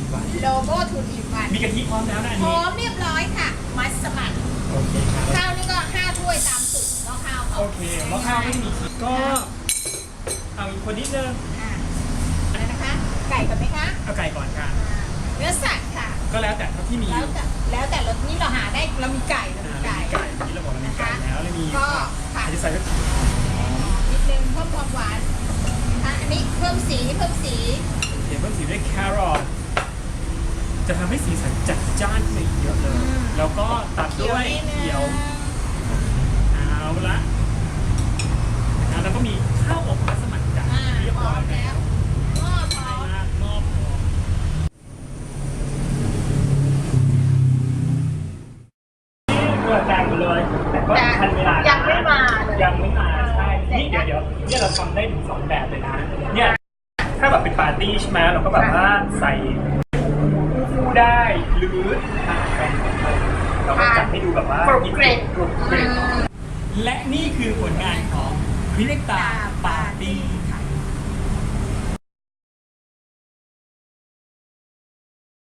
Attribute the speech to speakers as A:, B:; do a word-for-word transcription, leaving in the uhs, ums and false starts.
A: วัน
B: โลโก้ทูอินวัน
A: มีกะทิพร้อมแล้วนะอัน
B: พร้
A: นี้
B: อมเรียบร้อยค่ะ มัสมั่น
A: โอเคครับ
B: ข้าวนี่ก็ห้าถ้วยตามสูตรหม้อข้าวเขา
A: โอเคหม้อข้าวไม่มีขีดก็เอาอีกคนนิดนึง
B: อ่าอะไรนะคะ ไก่ก่อนไหมคะ
A: เอาไก่ก่อนค่ะ
B: อ่าเนื้อสัตว์ค่ะ
A: ก็แล้วแต่เท่าที่มี
B: แล้วแต่แล้วแต่รสนี่เราหาได้เรามีไก่เรา
A: อ่า
B: มี
A: เรา
B: ไก่
A: มีไก่ที่เราบอกเรามีไก่แล้วเรามี
B: ก็ค่ะ
A: อาจจะใส่
B: นิดนึงเพิ่มความหวานอ่ะอันนี้เพิ่มสีเพิ่มสี
A: เดี๋ยวเพิ่มสีด้วยแครอทจะทำให้สีสันจัดจ้านขึ้นอีกเยอะเลย แล้วก็ตัดด้วยเขียวเอาละนะแล้วก็มีข้าวอบมัสมั่นจัด
B: อ่า
A: เรียบ
B: พร้
A: ร้
B: อ
A: อย
B: ม
A: แล้
B: แล้ว
A: ว
B: หม้อพร้อม
A: มากงอบพอเพื่อแจงไปเลย แต่ก็ทันเวลานะ
B: ยังไม่มาเลย
A: ยังไม่มาใช่นี่เดี๋ยวเดี๋ยวเนี่ยเราทำได้ถึงสองแบบเลยนะเนี่ยถ้าแบบเป็นปาร์ตี้ใช่ไหมเราก็แบบว่าใส่คู่ได้หรือทานแฟนของเราเราก็จัดให้ดูแบบว่าก
B: รุบกริบ
A: กรุบกริบและนี่คือผลงานของคริเนกตาปาร์ตี้